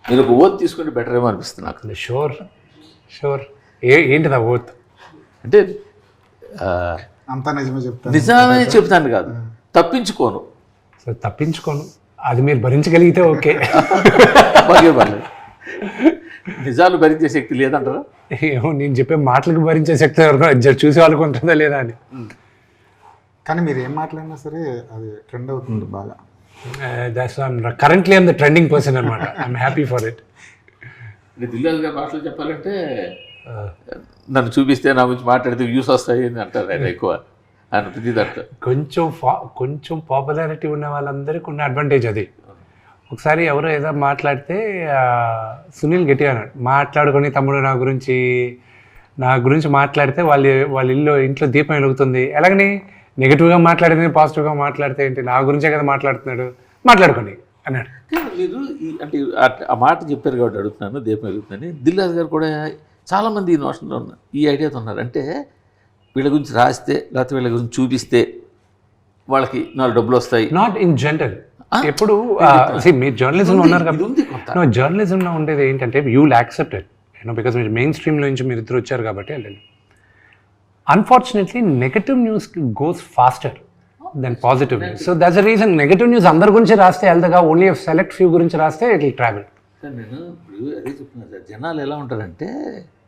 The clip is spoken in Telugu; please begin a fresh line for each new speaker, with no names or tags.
మీరు ఒక ఓత్ తీసుకుంటే బెటర్ ఏమో అనిపిస్తుంది నాకు.
షూర్ ఏంటిది ఆ ఓత్
అంటే
అంతా నిజమే చెప్తాను.
నిజమే చెప్తాను కాదు, తప్పించుకోను.
సో తప్పించుకోను, అది మీరు భరించగలిగితే ఓకే.
బాగే పర్లేదు. నిజాలు భరించే శక్తి లేదంటారా?
ఏమో, నేను చెప్పే మాటలకు భరించే శక్తి ఎవరికో చూసే వాళ్ళకు ఉంటుందా లేదా అని.
కానీ మీరు ఏం మాట్లాడినా సరే అది ట్రెండ్ అవుతుంది బాగా.
That's currently I'm the trending person అనమాట. I'm happy for it.
Dil Raju గారి భాషలో చెప్పాలంటే నన్ను చూపిస్తే నా గురించి మాట్లాడితే వ్యూస్ వస్తాయి అని అంటారు ఆయన ఎక్కువ. ఆయన ప్రతి దాంట్లో
కొంచెం పాపులారిటీ ఉన్న వాళ్ళందరికీ ఉన్న అడ్వాంటేజ్ అది. ఒకసారి ఎవరో ఏదో మాట్లాడితే సునీల్ గట్టిగా అన్నాడు, మాట్లాడుకొని తమ్ముడు నా గురించి మాట్లాడితే వాళ్ళ ఇంట్లో దీపం వెలుగుతుంది. ఎలాగని నెగిటివ్గా మాట్లాడితే పాజిటివ్గా మాట్లాడితే ఏంటి, నా గురించే కదా మాట్లాడుతున్నాడు, మాట్లాడుకొని అన్నాడు.
మీరు అంటే ఆ మాట చెప్పారు కాబట్టి అడుగుతున్నాను, దీపం వెలుగుతుందని. దిల్రాజు గారు కూడా చాలామంది ఈ నోషన్లో ఉన్నారు, ఈ ఐడియాతో ఉన్నారు. అంటే వీళ్ళ గురించి రాస్తే లేకపోతే వీళ్ళ గురించి చూపిస్తే వాళ్ళకి 4 డబ్బులు వస్తాయి.
Not in general. ఎప్పుడు మీరు జర్నలిజంలో ఉన్నారు కాబట్టి, జర్నలిజంలో ఉండేది ఏంటంటే you will accept it, because మీరు మెయిన్ స్ట్రీమ్లో నుంచి మీరు ఇద్దరు వచ్చారు కాబట్టి వెళ్ళండి. Unfortunately negative news goes faster then positive news. So that's the reason negative news అందరి గురించి రాస్తే వెళ్తాగా, ఓన్లీ సెలెక్ట్ ఫ్యూ గురించి రాస్తే ఇట్ విల్ ట్రావెల్.
నేను ఇప్పుడు అదే చెప్తున్నాను సార్, జనాలు ఎలా ఉంటారంటే